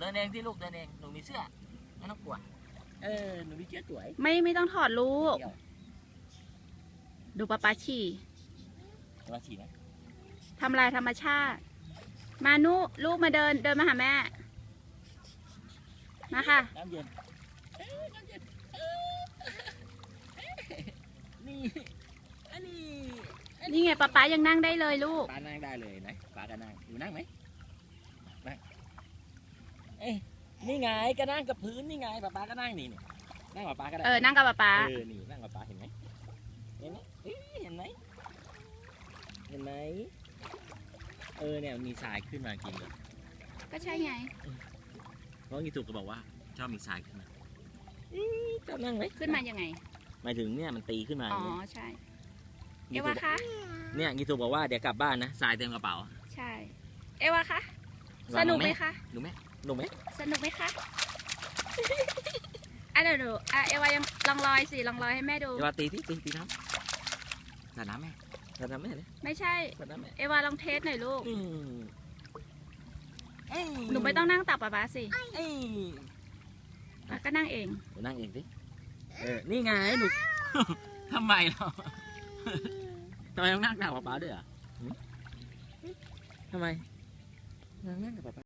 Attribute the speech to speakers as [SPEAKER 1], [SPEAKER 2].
[SPEAKER 1] ดินเองที่ลูกเดินเองหนูมีเสื้อไม่ต้องกลัวหนูมีเสื้อสวย
[SPEAKER 2] ไม่ต้องถอดลูกดูป๊าฉี่
[SPEAKER 1] มาฉี่นะ
[SPEAKER 2] ทำลายธรรมชาติมานุลูกมาเดินมาหาแม่มาค่ะ
[SPEAKER 1] น้ำเย็นน้ำเย็นนี่อันนี้
[SPEAKER 2] นี่ไงป๊ายังนั่งได้เลยลูก
[SPEAKER 1] ป้านั่งได้เลยนะป้าก็นั่งอยู่นั่งไหมนั่งนี่ไงก็นั่งกับพื้นนี่ไงป้าก็นั่งนี่นั่งกับป้าก็ได้
[SPEAKER 2] นั่งกับป๊า
[SPEAKER 1] นี่นั่งกับป้าเห็นไหมเห็นไหมเห็นไหมเห็นไหมเนี่ยมีทรายขึ้นมากินเลย
[SPEAKER 2] ก็ใช่ไง
[SPEAKER 1] เพราะงี้ถูกก็บอกว่าชอบมีทรายขึ้นมาจะนั่งไหม
[SPEAKER 2] ขึ้นมายังไง
[SPEAKER 1] หมายถึงเนี่ยมันตีขึ้นมา
[SPEAKER 2] อ๋อใช่เอวาคะ
[SPEAKER 1] เนี่ยงี้ถูกบอกว่าเดี๋ยวกลับบ้านนะทรายเต็มกระเป๋า
[SPEAKER 2] ใช่เอวาคะสนุกไหมคะ
[SPEAKER 1] หนูไหมหนูไหม
[SPEAKER 2] สนุกไหมคะเดี๋ยวดูเอวายังลองลอยสิลองลอยให้แม่ดู
[SPEAKER 1] เอวาตีน้ำสาดน้ำแม่สาดน้ำแม่เลย
[SPEAKER 2] ไม่ใช่เอวาลองเทสหน่อยลูกหนูไม่ต้องนั่งตักป๊าสิก็นั่งเอง
[SPEAKER 1] หนูนั่งเองสินี่ไงหนูทำไมเราทำไมต้องนั่งตักป๊าด้วยอ่ะทำไมนั่งกับป๊า